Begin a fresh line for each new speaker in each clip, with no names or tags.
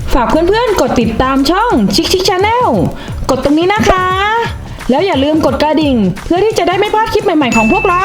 ฝากเพื่อนๆกดติดตามช่องชิคชิคชาแนลกดตรงนี้นะคะ แล้วอย่าลืมกดกระดิ่งเพื่อที่จะได้ไม่พลาดคลิปใหม่ๆของพวกเรา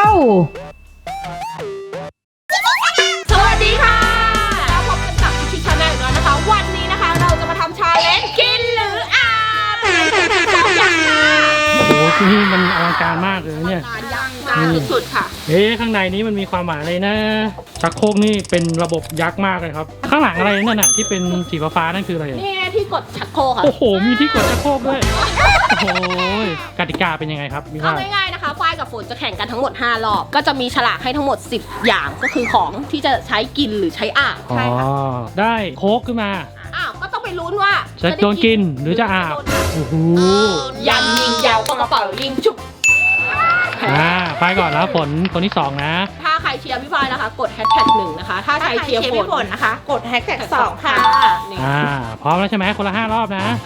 สวัสดีค่ะแล้วพบกันกับชิคชาแนลอีกแล้วนะคะวันนี้นะคะเราจะมาทำชาเลนจ์กินหรืออาบชอบอย่างค่ะ
โอ้โหที่นี่มันอลังการมากเลยเนี่ย
ยังมากสุดๆค่ะ
ข้างในนี้มันมีความหมายอะไรนะชักโครกนี่เป็นระบบยักษ์มากเลยครับข้างหลังอะไรนั่นน่ะที่เป็นสีฟ้าๆนั่นคืออะไร
นี่ที่กดชักโครกค่ะ
โอ้โหมีที่กดชักโครกด้วยโอ้โหกติกาเป็นยังไงครับพี่
เอา
ว่า
ง่ายๆนะคะฝ้ายกับฝนจะแข่งกันทั้งหมด5รอบก็จะมีฉลากให้ทั้งหมด10อย่างก็คือของที่จะใช้กินหรือใช้อาบ
อ๋อ
ใช่ค่ะ
ได้โค้กขึ้นมา
อ้าวก็ต้องไปลุ้นว่า
จะโดนกินหรือจะอาบโอ้โห
ยันยิงยาวก็กระเป๋ายิงชุบ
ไปก่อนแล้วฝนคนที่2นะ
ถ้าใครเชียร์พี่ฝ้ายนะคะกดแฮชแท็ก1นะคะถ้าใครเชียร์ฝนนะคะกดแฮชแท็ก2ค่ะนี่
พร้อมแล้วใช่ไหมคนละ5รอบนะ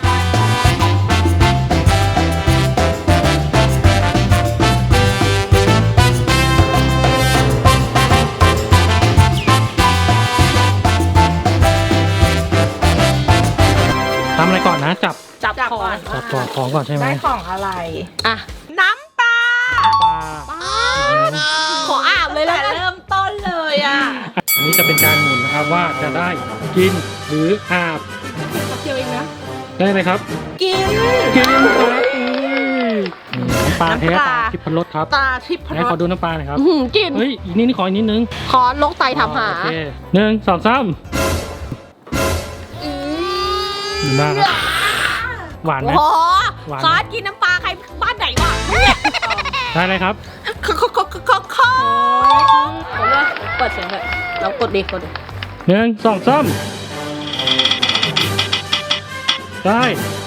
ทำอะไรก่อนนะจับ
จับของ
ของก่อนใช่ไหม
ได้ของอะไร
อ่ะ
น้ำปลา
ปลา
ขออาบเลยแล้ว
แต่
กัน
เริ่มต้นเลยอ่ะ
อันนี้จะเป็นการหมุนนะครับว่าจะได้กินหรืออาบ
เดียวเองนะ
ได้ไหมครับ
กิน
กินครับน้ำปลาแท้
น้ำปลา
ตาทิพรสครับ
ตาทิพย์
ไหนขอดูน้ำปลาหน่อยครับ
กิน
เฮ้ยอีกนิดขออีกนิดนึง
ขอโรคไตทำหา
โอเค1 2 3ดีมากครับหวานไหม
โอ้โห
หวานไหม
ซอสกินน้ำปลาใครบ้านไหนวะเนี่ย
ได้เลยครับ
ขอ
เปิดเสียงเลยเรากดดิกดดิ
1 2 3ได้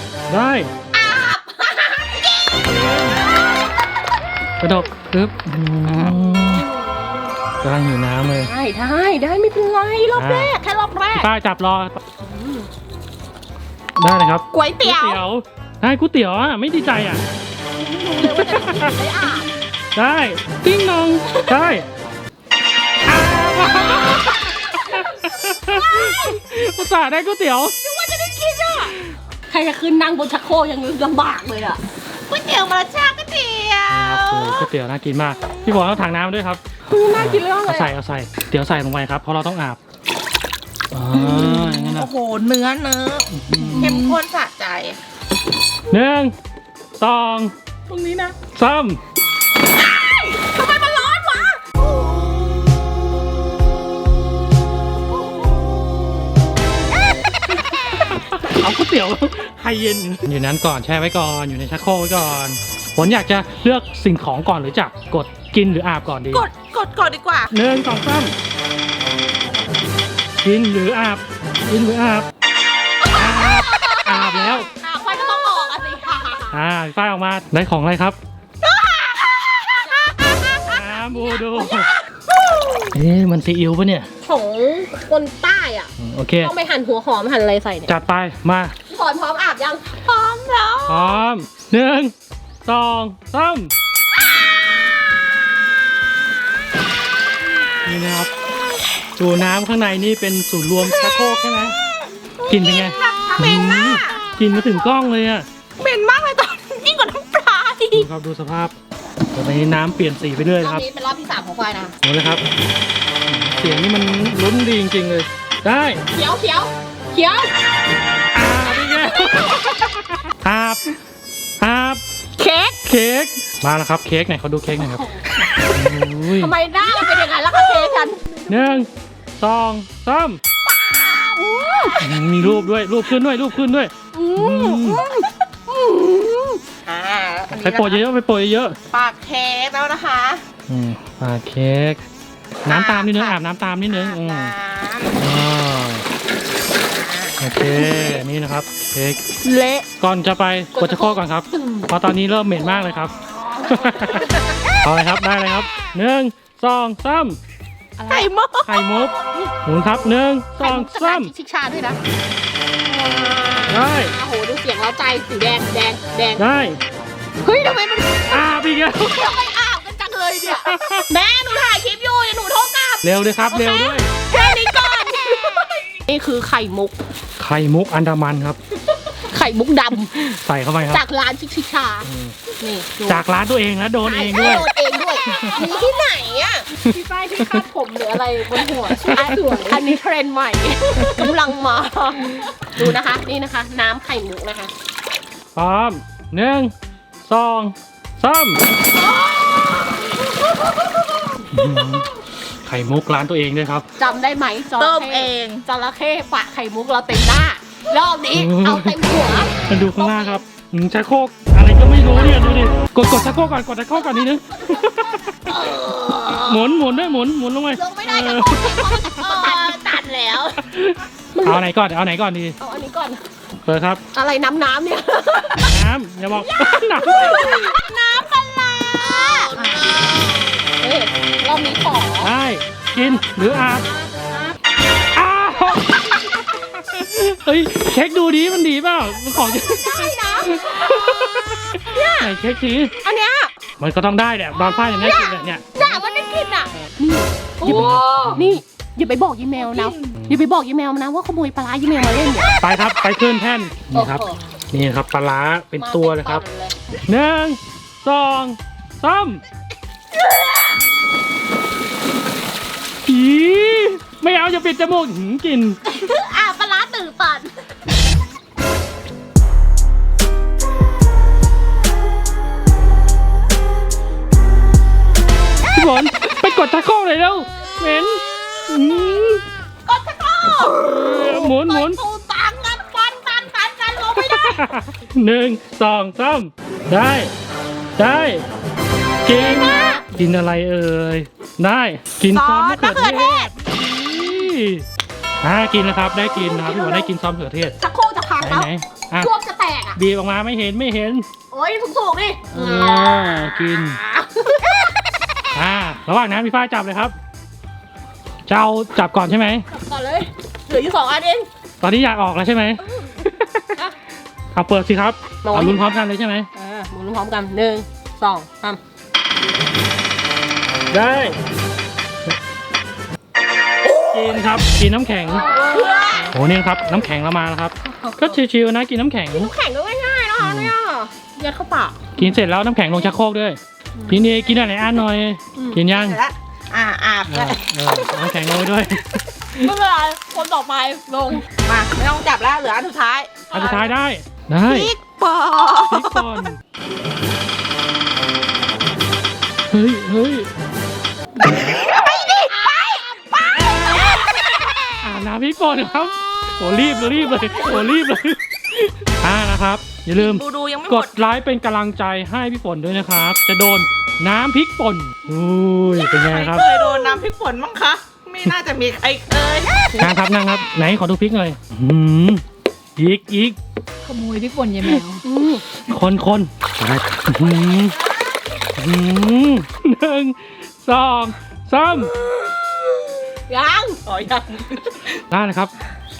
กระดกปึ๊บกำลังหิวน้ำเลย
ได้ไม่เป็นไรรอบแรกแค่รอบแรก
ป้าจับรอได้เลยครับ
ก๋วยเตี๋ยว
ได้ก๋วยเตี๋ยวอ่ะไม่ดีใจอ่ะ
เร็วว่าจะกินไม่อาบ
ได้ติ้งนองได้อุตส่าห์ได้ก๋วยเตี๋ยว
นึกว่าจะได้กินอ่ะใครจะขึ้นนั่งบนชักโครกยังลำบากเลยอ่ะ
ก๋วยเตี๋ยวมาแล้วจ้าก๋วยเตี๋ยว
ก๋วยเตี๋ยวน่ากินมากพี่บอกเอาถังน้ำด้วยครับ
น่ากินเลย
เอาใส่เดี๋ยวใส่ลงไปครับเพราะเราต้องอาบอย่างนั้นนะ
โอ้โหเนื้อเข้มข้นสะใจ
1 2
ตรงนี้นะ
3
ทำไมมันร้อนวะ
เอาก๋วยเตี๋ยวไฮเย็นอยู่นั้นก่อนแช่ไว้ก่อนอยู่ในชักโครกไว้ก่อนผมอยากจะเลือกสิ่งของก่อนหรือจะกดกินหรืออาบก่อนดี
กดก่อนดีกว่า
1 2 3กินหรืออาบกินหรืออาบอาบแล้ว
ไฟก็ต้องออกอ่ะสิ
พี่ฝ้ายออกมาได้ของอะไรครับบูดูมันซีอิ๊วปะเนี่ย
ของคนใต้อ่ะ
โอเค
ต้องไปหั่นหัวหอมหั่นอะไรใส่เนี่ย
จัดไปมา
พร้อมอาบยังพร้อมแล้ว
พร้อม1 2 3นี่นะครับดูน้ำข้างในนี่เป็นศูนย์รวมชักโครกใช่ไหมกลิ่นเป็นไง
เหม็นมาก
กลิ่นมาถึงกล้องเลยอ่ะ
เหม็นมากเลยตอนยิ่งกว่าน้ำปลาอี
ดู
ก
ครับดูสภาพตอนนี้น้ำเปลี่ยนสีไปเรื่อย
รอบ
ครับ
นี้เป็นรอบที่3ของไฟนะ
หมดเลยครับ เสียงนี่มันลุ้นดีจริงๆเลย ได้
เขียว
อาบอีกแล้วอาบ
เค้ก
เค้กมาแล้วครับเค้กไหนเขาดูเค้กหน่อยครับอุ้ย
ทำไมหน้ามันเป็นอย่างนั้นล่ะคะเค้กฉัน
1 2 3มีรูปด้วยรูปขึ้นด้วยไปโปรยเยอะ
ปากเค้กแล้วนะคะ
ปาเค้กน้ำตามนิดนึงอาบน้ำตามนิดนึงโอเคนี่นะครับเค้ก
เละ
ก่อนจะไปกดชักโครกก่อนครับเพราะตอนนี้เริ่มเหม็นมากเลยครับเอาเลยครับได้เลยครับ1 2 3
ไข่มุก
ไข่มุกหมุนครับ1 2 3
ชิคชาด้วยนะ
ได้
โอ้โหดูเสียงเร้าใจสีแดง
ได้
เฮ้ยทำไมมัน
อาบอีกแล้ว
ทำไมอาบกันจังเลยเนี่ยแม่หนูถ่ายคลิปอยู่เดี๋ยวหนูโทรกลับ
เร็วเลยครับเร็วด้วย
แค่นี้ก่อน นี่คือไข่มุก
ไข่ข่มุกอันดามันครับ
ไข่มุกด
ใส่เข้าไปค
ำ
รับ
จากร้านชิคชา นี่ดู
จากร้านตัวเองแล้วโดนเองด้วย
โดนเองด้วย
มีที่ไหนอ่ะ
พี่ฝ้ายที่คาดผมหรืออะไรบนหัวอันนี้เทรนด์ใหม่ กำลังมา ดูนะคะ นี่นะคะ น้ำไข่มุกนะคะ
พร้อม1 2 3ไข่มุกร้านตัวเองด้วยครับ
จำได้ไหมจระ
ต้ม
เข้
เอง
จระเข้ปะไข่มุกเราเต็มหน้ารอบนี้เอาเต็มหัว
มาดูข้างหน้าครับชักโครกอะไรก็ไม่รู้เนี่ยดูดิกดชักโครกก่อนกดชักโครกก่อนนิดนึงหมุนด้วยหมุนลงไป
ลงไม่ได้จะโคตรตัดแล้ว
เอาไหนก่อนเอาไหนก่อนดี
เอาอันนี้ก่อน
เปิดครับ
อะไรน้ำเนี่ย
น้ำอย่าบอก น้
น้ำปลาร้าเฮ้ยรอบนี้ขอ
ำได้กินหรืออาบอ้าวเฮ้ยเช็คดูดีมันดีเปล่ามันของ
ได้นะ
ไหนเช็คที
อันเนี้ย
มันก็ต้องได้แหละตอนฝ้ายอย่างนี้กินเนี่ย
ด่ามันได้กินอ่ะนี่นี่อย่าไปบอกยีแมวนะอย่าไปบอกยีแมวนะว่าขโมยปลาร้ายีแมวมาเล่นเนี่ย
ไปครับไปขึ้นแท่นนี่ครับ
โอ้โห
นี่ครับปลาร้าเป็นตัวเลยครับ 1 2 3ผีไม่เอาอย่าปิดจมูกกิน
อ่ะปลาร้าตื่นปัน
พี่ฝนไปกดตะโก้เลยแล้วเหม็นกดตะโก้หมุน
ตูตังกันฟันกันลงไม่ได้
1 2 3ได้กินอะไรเอ่ยได้กินซอสมะเขือเทศกินนะครับได้กินนะครับพี่ฝนได้กินซอสมะเขือเทศ
ชักโครกจะพังแล้ว
ไหนอ่ะ
ช่วงจะแตกอ่ะ
บีบออกมาไม่เห็น
โอ้ยถูกๆดิ
กินระหว่างนั้นพี่ฝ้ายจับเลยครับเจ้าจับก่อนใช่ไหม
ก่อนเลยเหลืออยู่2 อันเอง
ตอนนี้อยากออกแล้วใช่ไหมเอาเปิดสิครับ
น้อย
เอาลุ้นพร้อมกันเลยใช่ไหม
หมุนพร้อมกัน1 2 3
ได้กินครับกินน้ำแข็งโหเนี่ยครับน้ำแข็งเรามาแล้วครับ ก็ชิวๆนะกินน้ำแข็ง
แข่งก็ง่ายๆนะคะเนี่ยยัดเข้าปาก
กินเสร็จแล้วน้ำแข็งลงชักโครกด้วยพี่เนยกินอะไรอ่านหน่อย กินยัง
เสร็จแล้วอาบแล้ว
น้ำแข็งลงไปด้วย
ไม่เป็นไรคนต่อไปลง
มาไม่ต้องจับแล้วเหลืออันสุดท้าย
อันสุดท้ายได้
พริกปอ
พริกป่นเฮ้ยน้ำพริกป่นครับโหรีบเลยนะครับอย่าลืม
ดูยังไม่ห
ก
ม
ด
ด
ไลค์เป็นกำลังใจให้พี่ฝนด้วยนะครับ จะโดนน้ำพริกป่นอุ้ยเป็นไง
ใคร
ครับ
เคยโดนน้ำพริกป่นมั้งคะ ไม่น่าจะมีใครเคย
นั่งครับไหนขอดูพริกหน่อยอีก
ขโมยพริกป่นยายแมว
คน1 2 3
ยัง
อ๋อยัง
ได้เลยครับ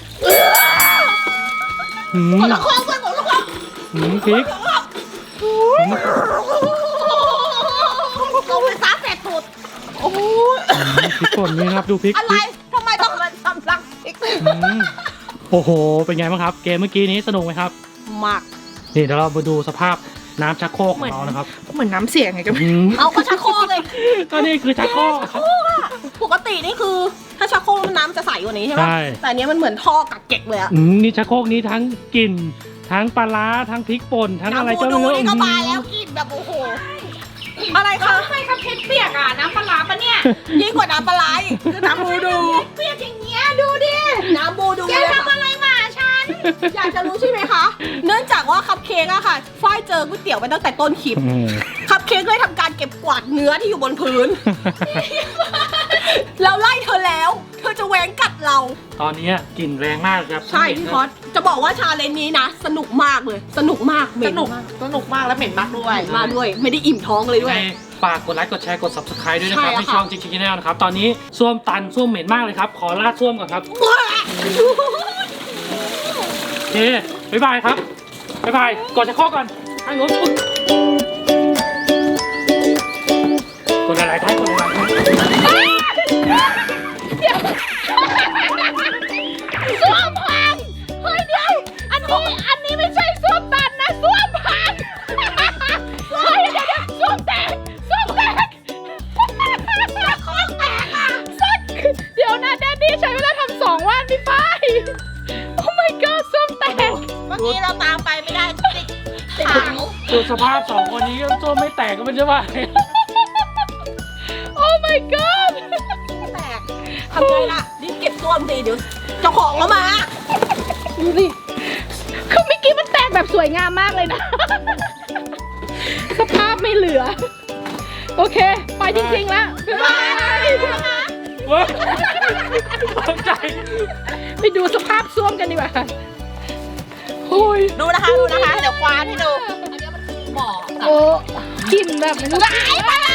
กดละครกดละคร
พริก
เอาไปซับเสร็จสุด
โอ้โห
พริกป่นนี่ครับดูพริก
อะไรทำไมต้องมาทำรังพริก
โอ้โหเป็นไงบ้างครับ เกมเมื่อกี้นี้สนุกไหมครับ
มาก
นี่เดี๋ยวเรามาดูสภาพน้ำชักโครกของเรานะครับ
เหมือนน้ำเสียงไงกัน
เอาก็ชักโครกเลย
ก็นี่คือชักโครก
ปกตินี่คือถ้าชักโครกน้ำจะใสกว่านี้ใช่ไหม
ใช่
แต่อันนี้มันเหมือนท่อกักเก็กเลยอะ
นี่ชักโครกนี้ทั้งกลิ่นทั้งปลาร้าทั้งพริกป่นทั้งอะไร
น้ำ
ก็
บู
ไม่
ดู
รู้
นี่ก็มาแล้วกินแบบโอ้โหอะไรคะ
ทำไมครับเพชรเปียกอ่ะน้ำปลาร้าปะเนี่ย
ยิ่งกว่าน้ำปลาไหล
คือน้ำบูดู
เปียกอย่างเงี้ยดูดิน้ำบูดูแกทำอะไรมาฉันอยากจะรู้ใช่ไหมคะเนื่องจากว่าคัพเค้กอะค่ะฝ้ายเจอก๋วยเตี๋ยวไปตั้งแต่ต้นคลิป คัพเค้กเลยทำการเก็บกวาดเนื้อที่อยู่บนพื้น เราไล่เธอแล้ว เธอจะแหวงกัดเรา
ตอนนี้กลิ่นแรงมากครับ
ใช่พี่พอดจะบอกว่าชาเลนจ์นี้นะ สนุกมากเลย สนุกมากเหม็
สนุก
มาก
สนุกมากแล้วเหม็นมากด้วย
มาด้วย ไม่ได้อิ่มท้องเลยด้วย
ยังไงฝากกดไลค์กดแชร์กด subscribe ด้วยนะครับ
ใช่ค่ะ
ให้ช่องจิ๊กจิ๊กแนลนะครับตอนนี้ส้วมตันส้วมเหม็นมากเลยครับขอลาดส้วมก่อนครับโอเคบ๊ายบายครับบ๊ายบายกดจะข้อก่อนทางโน้นกดอะไรท้ายกดอะไรท้าย
ส้วมพังเฮ้ยกี้เราตามไปไม่ได้ติดเหงา
ดูสภาพสองคนนี้ก็ตัวไม่แตกก็ไม่ใช่ว่า
โอ้ my god
แตกทำไงล่ะรีบเก็บตัวสิเดี๋ยวเจ้าของเขามาดูสิ
คือเมื่อกี้มันแตกแบบสวยงามมากเลยนะ สภาพไม่เหลือ โอเค ไปจริงๆแล้วบ๊ายบาย
เว้ยตกใจ
ไปดูสภาพซ่วมกันดีกว่าโอ้ย
ดูนะคะ เดี๋ยวควานให้ดู อันนี้มันคือบ่อ
โอ้กลิ่นแบบไม่รู้
ไปเลย